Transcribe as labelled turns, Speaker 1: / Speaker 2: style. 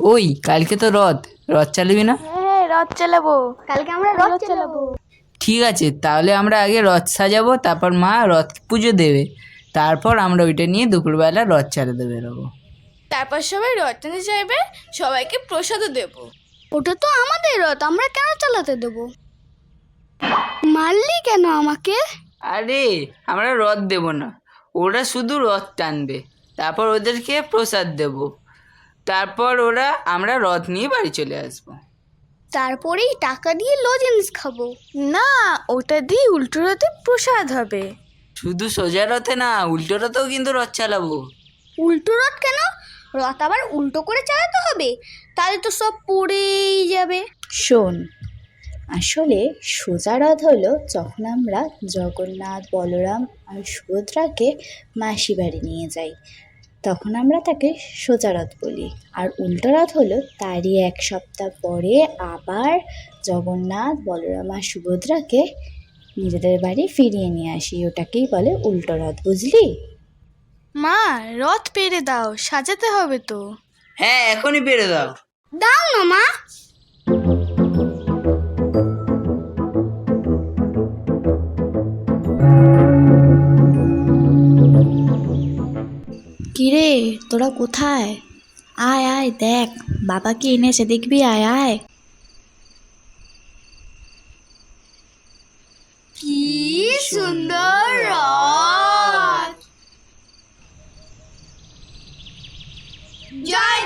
Speaker 1: ওই কালকে তো রথ, রথ চালাবি না?
Speaker 2: হ্যাঁ, রথ চালাবো। কালকে আমরা রথ চালাবো।
Speaker 1: ঠিক আছে, তাহলে আমরা আগে রথ সাজাবো, তারপর মা রথ পুজো দেবে, তারপর আমরা ওইটা নিয়ে দুপুরবেলা রথ চালাতে বেরোবো।
Speaker 3: তারপর সবাই রথ টানতে চাইবে, সবাইকে প্রসাদও দেবো।
Speaker 2: ওটা তো আমাদের রথ, আমরা কেন চালাতে দেবো? মারলি কেন আমাকে?
Speaker 1: আরে আমরা রথ দেব না, ওরা শুধু রথ টানবে, তারপর ওদেরকে প্রসাদ দেব, তারপর আমরা রথ নিয়ে বাড়ি চলে আসবো।
Speaker 2: তারপরেই টাকা দিয়ে লজেন্স খাবো।
Speaker 3: না, ওটা দিয়ে উল্টো রথে প্রসাদ হবে।
Speaker 1: শুধু সোজা রথে না, উল্টো রথেও কিন্তু রথ চালাবো।
Speaker 2: উল্টো রথ কেন? রথ আবার উল্টো করে চালাতে হবে, তাহলে তো সব পড়েই যাবে।
Speaker 4: শোন, আসলে সোজা রথ হলো যখন আমরা জগন্নাথ, বলরাম আর সুভদ্রাকে মাসি বাড়ি নিয়ে যাই, তখন আমরা তাকে সোজা রথ বলি। আর উল্টো রথ হলো তারই এক সপ্তাহ পরে আবার জগন্নাথ, বলরাম আর সুভদ্রাকে নিজেদের বাড়ি ফিরিয়ে নিয়ে আসি, ওটাকেই বলে উল্টো রথ, বুঝলি?
Speaker 3: মা, রথ পেরে দাও, সাজাতে হবে তো।
Speaker 1: হ্যাঁ, এখনই পেরে দাও।
Speaker 2: দাও না মা।
Speaker 4: কিরে, তোরা কোথায়? আয় আয়, দেখ বাবা কি এনেছে, দেখবি, আয় আয়।
Speaker 2: কি সুন্দর রথ! জয়